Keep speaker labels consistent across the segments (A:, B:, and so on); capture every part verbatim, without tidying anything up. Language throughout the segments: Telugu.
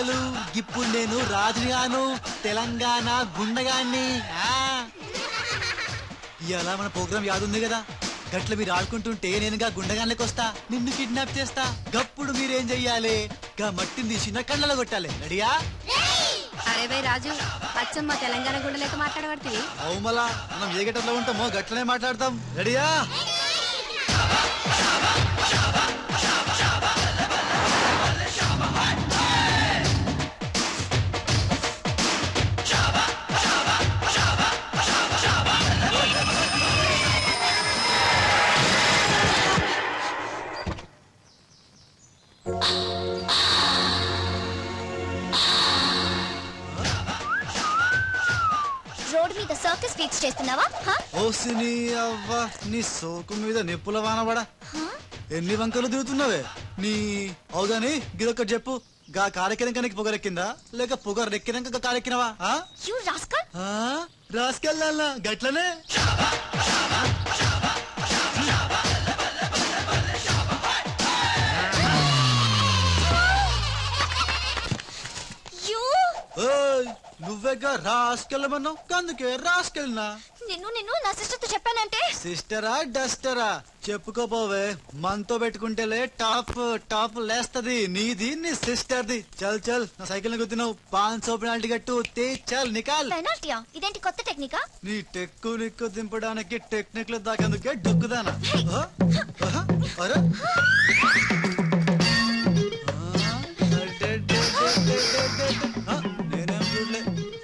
A: అంకెలు ఇప్పుడు నేను రాజుగాను తెలంగాణ గుండగాన్ని. ఇవాళ మన ప్రోగ్రాం యాదుంది కదా, గట్ల మీరు ఆడుకుంటుంటే నేనుగా గుండగాన్లకి వస్తా, నిన్ను కిడ్నాప్ చేస్తా. గప్పుడు మీరేం చెయ్యాలి, గా మట్టిని తీసి నా కళ్ళలో కొట్టాలి. రెడీయా?
B: అరే బై రాజు, అచ్చమ్మ తెలంగాణ గుండెలతో మాట్లాడబడుతుంది.
A: అవు మళ్ళా మనం ఏ గట్టలో ఉంటామో గట్లనే మాట్లాడతాం. రెడీయా?
C: రోడ్ మీద సర్కస్ ఫీట్స్ చేస్తున్నావా?
A: ఓసిని అవ్వ, నీ సోకు మీద నిప్పుల వానబడా. ఎన్ని వంకలు దిగుతున్నావే నీ. అవుగాని గిదొక్కటి చెప్పు, గా కారెక్కినాక నీకు పొగరెక్కిందా లేక పొగరెక్కినాక కారెక్కినవా? రాసుకెళ్ళాలా గట్లనే. నువ్వేగా రాసుకెళ్ళమన్నావు, అందుకే రాసుకెళ్ళినా.
C: నిన్ను నిన్ను నా సిస్టర్ తో చెప్పానంటే.
A: సిస్టరా డస్టరా చెప్పుకోపోవే, మనతో పెట్టుకుంటేలే టాప్ టాప్ లేస్తది నీది నీ సిస్టర్ది. చల్ చల్, నా సైకిల్ గుద్దినావు, పాన్ సో పెనాల్టీ గట్టు తే చల్ నికాల్.
C: పెనాల్టీయా? ఇదేంటి కొత్త టెక్నికా?
A: నీ టెక్కు నిక్కు దింపడానికి టెక్నిక్ లో దాకేందుకే డొక్కుదానా. అరే నేనేం చూడలే.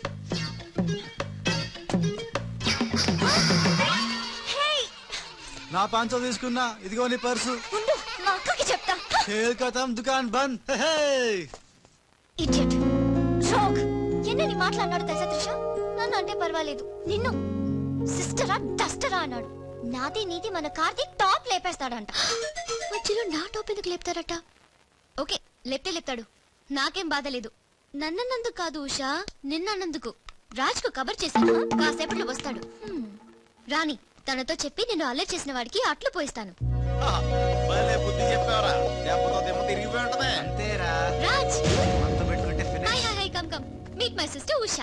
A: నా పాంచో తీసుకున్నా, ఇదిగో నీ పర్సు.
C: మా అక్కకి చెప్తా.
A: ఖేల్ ఖతం, దుకాన్ బంద్.
C: ఇడియట్ రోగ్, ఎన్నని మాట్లాడినాడు తెలుసా త్రిష? నన్ను అంటే పర్వాలేదు, నిన్ను సిస్టరా డస్టరా అన్నాడు. నాది నీది మన కార్తీక్ టాప్ లేపేస్తాడంట. మధ్యలో నా టాప్ ఎందుకు లేపుతారట? ఓకే లేపితే లేపుతాడు, నాకేం బాధ లేదు. నన్నన్నందుకు కాదు ఉషా, నిన్నన్నందుకు. రాజ్ కు కబర్ చేశాను, కాసేపట్లో వస్తాడు. రాణి తనతో చెప్పి నేను అల్లరి చేసిన వాడికి అట్లు పోయిస్తాను. Meet my sister Usha.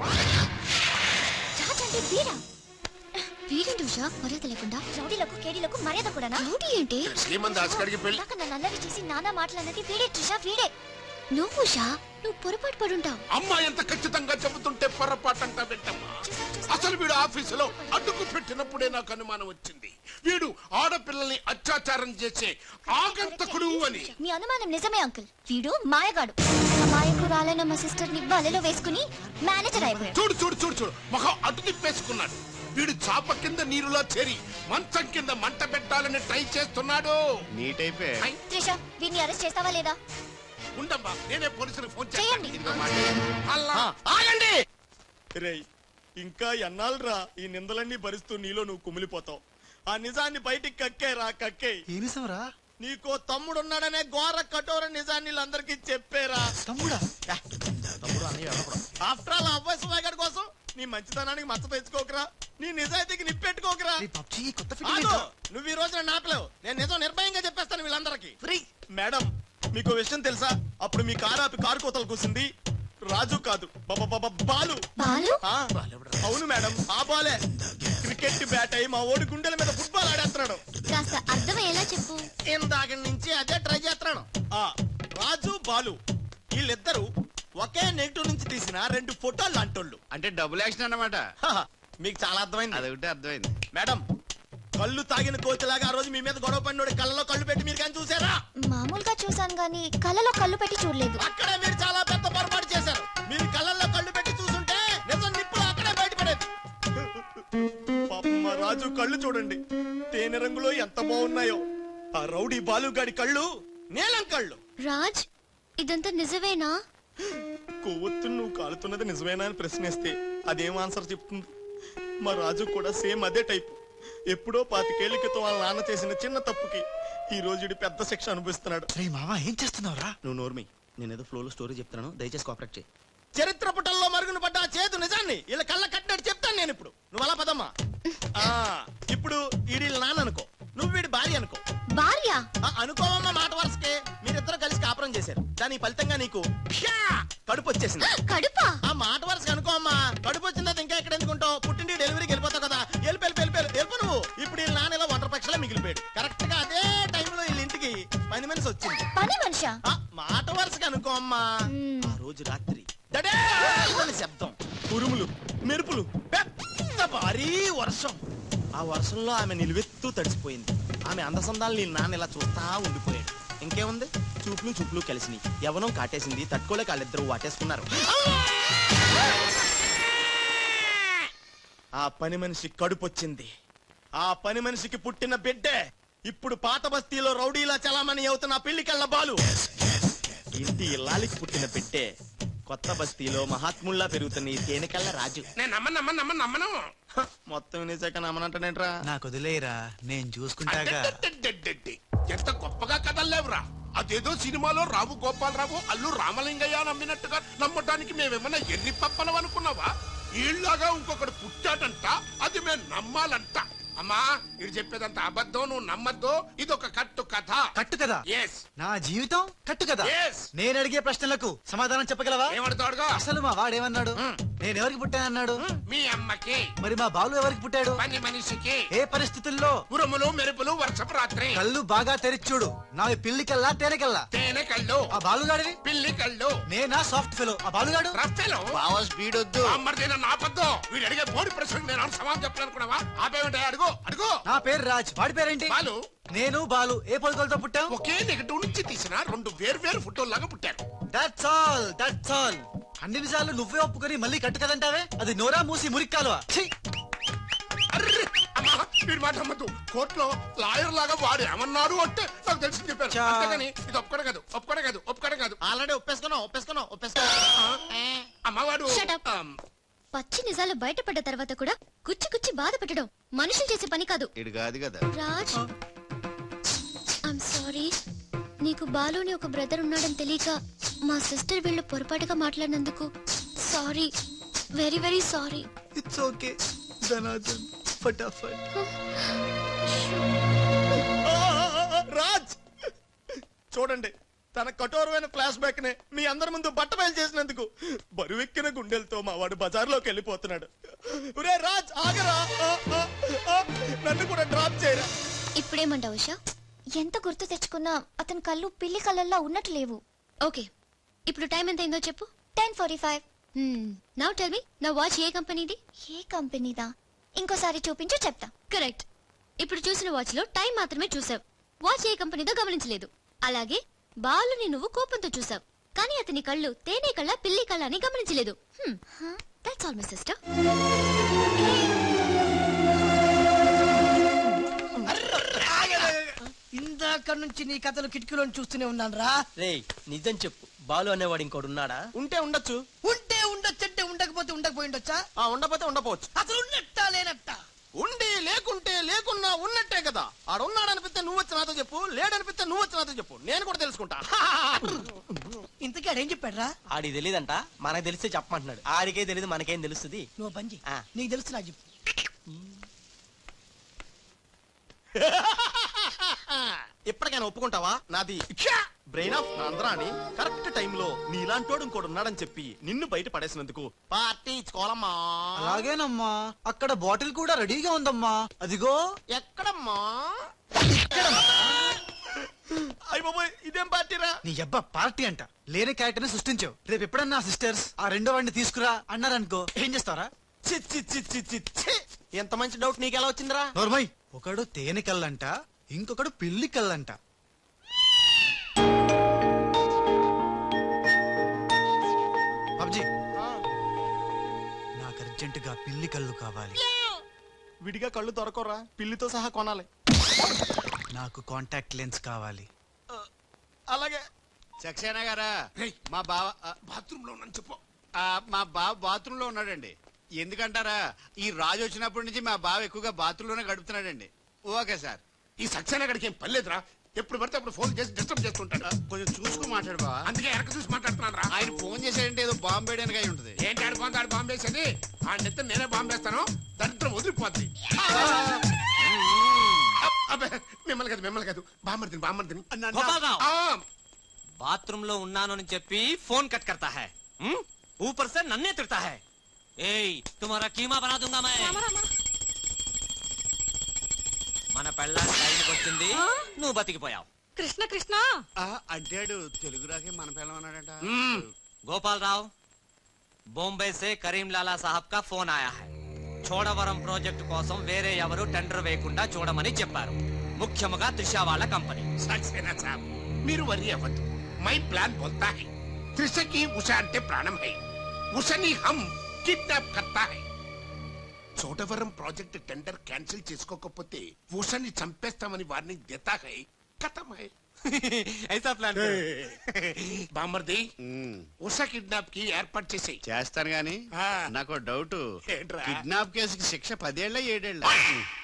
C: Raj అంటే వీరా. వీరేంటి ఉషా మర్యాద లేకుండా? రౌడీలకు కేడీలకు మర్యాద కూడా. రౌడీ ఏంటి? నన్ను అల్లరి చేసి నానా మాటలన్నది వీడే ట్రిషా, వీడే. నువ్వు ఉషా, నువ్వు పొరపాటు పడుంటావు.
D: అమ్మా ఎంత ఖచ్చితంగా చెబుతుంటే పొరపాటంట వింటమ్మా. అసలు వీడు ఆఫీసులో అడ్డుకు పెట్టినప్పుడే నాకు అనుమానం వచ్చింది, వీడు ఆడపిల్లల్ని అత్యాచారం చేసే ఆగంతకుడు అని.
C: మీ అనుమానం నిజమే అంకుల్, వీడు మాయగాడు. మాయకురాలైన మా సిస్టర్ ని బలలో వేసుకుని మేనేజర్ అయిపోయాడు.
D: చూడు చూడు చూడు చూడు, మొహం అటు తిప్పేసుకున్నాడు. వీడు చాప కింద నీరులో చేరి మంచం కింద మంట పెట్టాలని ట్రై చేస్తున్నాడు.
C: త్రిష, వీడిని అరెస్ట్ చేస్తావా లేదా?
D: ఉండమ్మా, నేనే పోలీసులకు ఫోన్
C: చేయండి.
E: ఆగండి. రేయ్, ఇంకా ఎన్నాళ్ళరా ఈ నిందలన్నీ భరిస్తూ నీలో నువ్వు కుమిలిపోతావు? ఆ నిజాన్ని బయటికి కక్కేరా, కక్కే. నీకో తమ్ముడున్నాడనే ఘోర కఠోర నిజాన్ని వీళ్ళందరికీ చెప్పేరా.
A: తమ్ముడా?
E: ఆఫ్టర్ ఆల్ అబ్బాయి సుమాగడ్ కోసం నీ మంచితనానికి మచ్చ తెచ్చుకోకరా, నీ నిజాయితీకి నిప్పెట్టుకోకరా. నువ్వు ఈ రోజున నాపలేవు, నేను నిజం నిర్భయంగా చెప్పేస్తాను వీళ్ళందరికీ. మేడం, మీకు విషయం తెలుసా? అప్పుడు మీ కారు ఆపి కారు కోతలు కూసింది రాజు కాదు, బాలు. అవును మేడం, ఆ బాలే క్రికెట్ బ్యాట్ అయి మా ఓడి గుండెల మీద ఫుట్బాల్ ఆడేస్తున్నాడు.
C: కాస్త అర్థమయ్యేలా చెప్పు.
E: ఇందాక నుంచి అదే ట్రై చేస్తున్నాను. ఆ రాజు బాలు వీళ్ళిద్దరు ఒకే నెగిటివ్ నుంచి తీసిన రెండు ఫోటోలు లాంటోళ్ళు.
F: అంటే డబుల్ యాక్షన్ అన్నమాట.
E: మీకు చాలా అర్థమైంది.
F: అదొకటి అర్థమైంది.
E: మేడం, కళ్ళు తాగిన కోతిలాగా ఆ రోజు మీ మీద గొడవ పడినోడి కళ్ళలో కళ్ళు పెట్టి మీరు కానీ చూసారా?
C: మామూలుగా చూసాను గానీ కళ్ళలో కళ్ళు పెట్టి చూడలేదు.
E: అక్కడే మీరు చాలా పెద్ద పొరపాటు చేశారు. మీరు కళ్ళల్లో కళ్ళు పెట్టి చూసుంటే నిజం నిప్పులు అక్కడే బయటపడేది. పాపం మా రాజు కళ్ళు చూడండి, తేనె రంగులో ఎంత బాగున్నాయో. ఆ రౌడీ బాలుగాడి కళ్ళు నీలం కళ్ళు.
C: రాజ్, ఇదంతా నిజమేనా?
E: కొవ్వొత్తు నువ్వు కాలుతున్నది నిజమేనా అని ప్రశ్నిస్తే అదేం ఆన్సర్ చెప్తుంది? మా రాజు కూడా సేమ్ అదే టైప్. ఎప్పుడో పాతికేళ్ల క్రితం వాళ్ళ నాన్న చేసిన చిన్న తప్పుకి ఈ రోజు పెద్ద శిక్ష అనుభవిస్తున్నాడు.
A: ఏం చేస్తున్నావురా?
E: నువ్వు నోర్మి, నేనేదో ఫ్లోలో స్టోరీ చెప్తున్నాను, దయచేసి కోఆపరేట్ చేయి. చరిత్ర పుటల్లో మరుగున పడ్డ ఆ చేతు నిజాన్ని ఇలా కళ్ళ కట్టినట్టు చెప్తాను నేను ఇప్పుడు. నువ్వు అలా పదమ్మా. ఇప్పుడు ఈడి నాన్న అనుకో, నువ్వు వీడి భార్య అనుకో.
C: భార్య
E: అనుకోవమ్మా, మాట వరుసకే. మీరిద్దరు కలిసి కాపురం చేశారు, దాని ఫలితంగా నీకు ప్యా కడుపు వచ్చేసింది.
C: కడుపా?
E: ఆ మాట వరుస అనుకో అమ్మా. కడుపు వచ్చిన తర్వాత ఇంకా ఎక్కడ ఎందుకుంటావు? పుట్టింటి డెలివరీకి వెళ్ళిపోతావు కదా. వెళ్ళి వెళ్ళి వెళ్ళి వెళ్ళి నువ్వు. ఇప్పుడు వీళ్ళ నాన్న ఇలా ఒంటరి పక్షలా మిగిలిపోయాడు. కరెక్ట్ గా అదే టైంలో వీళ్ళ ఇంటికి పని మనిషి వచ్చింది.
C: పని మనిషా?
E: ఆ మాట వరుసగా అనుకో అమ్మా.
C: మ్మ్.
E: ఆ రోజు రాత్రి దడేమని శబ్దం, ఉరుములు, మెరుపులు, పెద్ద భారీ వర్షం. ఆ వర్షంలో ఆమె నిలువెత్తు తడిసిపోయింది. ఆమె అందసందాలు నీ నాన్న ఇలా చూస్తా ఉండిపోయాడు. ఇంకేముంది, చూపులు చూపులు కలిసినాయి. యవనం కాటేసింది. తట్టుకోలేక వాళ్ళిద్దరూ వాటేసుకున్నారు. ఆ పని మనిషి కడుపొచ్చింది. ఆ పని మనిషికి పుట్టిన బిడ్డే ఇప్పుడు పాత బస్తీలో రౌడీలా చలామణి అవుతున్న పెళ్లికళ్ళ బాలు. ఇంటి ఇల్లాలికి పుట్టిన బిడ్డే కొత్త బస్తీలో మహాత్ముల్లా పెరుగుతున్న ఈ తేనెకళ్ళ రాజు.
D: నేను నమ్మను నమ్మను నమ్మను నమ్మను
E: హ, మొత్తం వినేశాక నమ్మనంటానేట్రా?
A: నాకు వదిలేరా, నేను చూసుకుంటాగా.
D: అడ్డడ్డడ్డడ్డడ్డి. ఎంత గొప్పగా కథల్లేవురా. అదేదో సినిమాలో రావు గోపాలరావు అల్లు రామలింగయ్య నమ్మినట్టుగా నమ్మటానికి మేమేమన్నా ఎర్రి పప్పలం అనుకున్నావా? ఈళ్ళగా ఇంకొకడు పుట్టాడంట, అది మేము నమ్మాలంట. అమ్మా ఇది చెప్పేదంత అబద్ధం, నువ్వు నమ్మద్దు. ఇది ఒక కట్టు కథ.
A: కట్టు కదా?
D: ఎస్.
A: నా జీవితం కట్టు కదా?
D: Yes.
A: నేను అడిగే ప్రశ్నలకు సమాధానం చెప్పగలవా?
D: ఏమడతాడుగా?
A: అసలు మా వాడేమన్నాడు? నేను ఎవరికి పుట్టానన్నాడు?
D: మీ అమ్మకి.
A: మరి మా బాలు ఎవరికి పుట్టాడు?
D: పని మనిషికి.
A: ఏ పరిస్థితుల్లో?
D: ఉరుములు మెరుపులు వర్షపు రాత్రి.
A: కళ్ళు బాగా తెరిచూడు. నా పిల్లి కల్లా తేనె కల్లా.
D: తేనె కళ్ళు.
A: ఆ బాలుగాడివి?
D: పిల్లి కళ్ళు.
A: నేనా సాఫ్ట్ ఫెలో? ఆ బాలుగాడు
D: రఫెలో.
E: బావ స్పీడ్ వద్దు.
D: అమ్మర్దైనా నాపద్దు. వీడు అడిగే బోడి ప్రశ్నకు నేను సమాధానం చెప్పాలనుకున్నావా? ఆపేమంటే అడుగు అడుగు.
A: నా పేరు రాజ్. వాడి పేరేంటి?
D: బాలు.
A: నేను బాలు ఏ పొలకలతో పుట్టాం?
D: ఒకే నెగటివ్ నుంచి తీసిన రెండు వేరు వేరు ఫోటోల్లాగా పుట్టారు.
A: That's all that's all. అన్ని నిజాలు నువ్వే ఒప్పుకొని మళ్ళీ కట్టు కదంటావే? అది నోరా మూసి మురిక్కాలువా? ఛీ!
D: అర్రే! అమ్మా వీడి మాట అమ్మద్దు. కోర్టులో లాయర్ లాగా వాడు ఏమన్నారు అంటే నాకు తెలిసి చెప్పారు.
A: చా.
D: అంతేగాని ఇది ఒప్పుకోవడం కాదు ఒప్పుకోవడం కాదు ఒప్పుకోవడం కాదు.
E: ఆల్రెడీ ఒప్పేసుకున్నావు ఒప్పేసుకున్నావు ఒప్పేసుకున్నావు.
D: అమ్మవాడు
C: Shut up. పచ్చి నిజాలు బయటపడ్డ తర్వాత కూడా కుచ్చి కుచ్చి బాధ పెట్టడం మనుషులు చేసే పని కాదు.
E: ఇడు కాదు కదా.
C: Raj, I'm sorry. నీకు బాలుని ఒక బ్రదర్ ఉన్నాడని తెలియక మా సిస్టర్ వీళ్ళు పొరపాటుగా మాట్లాడినందుకు sorry, very very sorry.
A: It's okay Dhanardhan. ఫటాఫట్.
E: రాజ్ చూడండి, తన కఠోరమైన ఫ్లాష్ బ్యాక్ నే మీ అందరి ముందు బట్ట బయలు చేసినందుకు బరువెక్కిన గుండెలతో మా వాడు బజార్లోకి వెళ్ళిపోతున్నాడు. ఒరే రాజ్ ఆగరా, ఆ, ఆ, ఆ, నన్ను కూడా డ్రాప్ చేయరా.
C: ఇప్పుడేమంటావు ఉషా? ఎంత గుర్తు తెచ్చుకున్నా అతని కళ్ళు పిల్లి కళ్ళల్లో ఉన్నట్టు లేవు. ఓకే, ఇప్పుడు టైం ఎంత అయిందో చెప్పు. Ten forty five. Now tell me, నా వాచ్ ఏ కంపెనీది? ఏ కంపెనీదా? ఇంకోసారి చూపించు చెప్తా. కరెక్ట్. ఇప్పుడు చూసిన వాచ్ లో టైం మాత్రమే చూసావు. వాచ్ ఏ కంపెనీదో గమనించలేదు. అలాగే బాలుని నువ్వు కోపంతో చూసావు, కానీ అతని కళ్ళు తేనె కళ్ళ పిల్లి కళ్ళ అని గమనించలేదు. That's all my sister.
F: ఇందాక నుంచి నీ కథలు కిటికీలో చూస్తూనే ఉన్నాను రా.
G: రే నిజం చెప్పు, బాలు అనేవాడు ఇంకోడు ఉన్నాడా?
E: ఉంటే ఉండొచ్చు.
F: ఉంటే ఉండొచ్చంటే ఉండకపోతే ఉండకపోయి ఉండొచ్చా?
E: ఆ ఉండపోతే ఉండపోవచ్చు.
F: అసలు ఉన్నట్టా లేనట్టా?
E: ఉండి లేకుంటే లేకున్నా ఉన్నట్టే కదా. ఆడున్నాడనిపిస్తే నువ్వు వచ్చి నాతో చెప్పు, లేడనిపిస్తే నువ్వు వచ్చి నాతో చెప్పు, నేను కూడా తెలుసుకుంటా.
F: ఇంతకీ ఆడేం చెప్పాడు రా?
G: ఆడికి తెలియదంట, మనకు తెలిస్తే చెప్పమంటున్నాడు. ఆడికే తెలియదు, మనకేం తెలుస్తుంది?
F: నువ్వు బంజి,
G: ఆ.
F: నీకు తెలుసు నాకు చెప్పు.
E: ఎప్పటికైనా ఒప్పుకుంటావా? నాది బ్రెయిన్ ఆఫ్ ఆంధ్రాని కరెక్ట్ టైంలో నీలాంటోడు ఇంకోడు ఉన్నాడని చెప్పి నిన్ను బయట పడేసినందుకు పార్టీ ఇచ్చుకోవాలమ్మా.
A: అలాగేనమ్మా. అక్కడ బాటిల్ కూడా రెడీగా ఉందమ్మా. అదిగో.
E: ఎక్కడమ్మా? అయ్య బాబోయ్, ఇదేం పార్టీరా?
A: నీ అబ్బా పార్టీ అంట. లేని క్యారెక్టర్ ని సృష్టించావు. రేపు ఎప్పుడన్నా సిస్టర్స్ ఆ రెండో వాడిని తీసుకురా అన్నారనుకో, ఏం చేస్తారా?
E: చి, చి, చి, చి, చి, చి. ఎంత మంచి డౌట్ నీకెలా వచ్చిందిరా?
A: నోర్మై. ఒకడు తేనె కళ్ళంట, ఇంకొకడు పిల్లి కళ్ళంట. పబ్జీ, నాకు అర్జెంటుగా పిల్లి కళ్ళు కావాలి.
E: విడిగా కళ్ళు దొరకరా, పిల్లితో సహా కొనాలి.
A: నాకు కాంటాక్ట్ లెన్స్ కావాలి.
E: అలాగే.
H: సక్సేనా గారా,
D: రేయ్,
H: మా బావ ఆ,
D: బాత్రూమ్ లో ఉన్నాను చెప్పు.
H: ఆ, మా బావ బాత్రూమ్ లో ఉన్నాడండి. ఎందుకంటారా, ఈ రాజు వచ్చినప్పటి నుంచి మా బావ ఎక్కువగా బాత్రూమ్ లోనే గడుపుతున్నాడండి. Okay sir.
D: ఈ సక్సేనా గడికి ఏం పర్లేదురా. ఎప్పుడు పడితే అప్పుడు ఫోన్ చేసి డిస్టర్బ్ చేస్తుంటాడు.
H: ఆ, కొంచెం చూసుకుని మాట్లాడు బావ.
D: అందుకే వెనక చూసి మాట్లాడుతున్నాను రా.
H: ఆయన ఫోన్ చేశాడంటే ఏదో బాంబు వేయడానికి అయి ఉంటుంది.
D: ఏంటి ఆడుకోండి ఆడు బాంబేసేది. ఆ నెత్త నేనే బాంబేస్తాను, దరిద్రం వదిలిపోద్ది. అబ్బే, మిమ్మల్ని కాదు మిమ్మల్ని కాదు బామ్మర్దిని బామ్మర్దిని.
G: గోపాలరావు.
D: ఆ,
I: బాత్రూమ్ లో ఉన్నాను అని చెప్పి ఫోన్ కట్ కర్తా హై హ్మ్? ऊपर से నన్నే తిడతా హై ఏయ్ తుమారా కీమా బనా దూంగా మై మన పెళ్ళానికి టైంకి వచ్చింది నువ్వు బతికిపోయావు
B: కృష్ణ కృష్ణ
H: ఆ, అంటాడు తెలుగు రాకే మన పిల్లం అన్నాడట
I: गोपाल राव बॉम्बे से करीम लाला साहब का फोन आया है చోడవరం ప్రాజెక్టు కోసం వేరే ఎవరు టెండర్ వేయకుండా చూడమని చెప్పారు ముఖ్యముగా త్రిష వాళ్ళ కంపెనీ
D: సక్సేనా సాబ్ మీరు వరి అవ్వద్దు మై ప్లాన్ బోల్తా హై త్రిషకి ఉష అంటే ప్రాణం హై ఉషని హమ్ కిడ్నాప్ కర్తా హై చోడవరం ప్రాజెక్ట్ టెండర్ క్యాన్సిల్ చేసుకోకపోతే ఉషని చంపేస్తామని వార్నింగ్ దేతా హై ఖతం హై
I: ఐసా ప్లాన్
D: బామర్ది ఉష కిడ్నాప్ కి ఏర్పాటు చేసేయి
H: చేస్తాను గాని
D: ఆ.
H: నాకు డౌట్
D: ఏంట్రా?
H: కిడ్నాప్ కేసుకి శిక్ష పదేళ్ళ ఏడేళ్ళ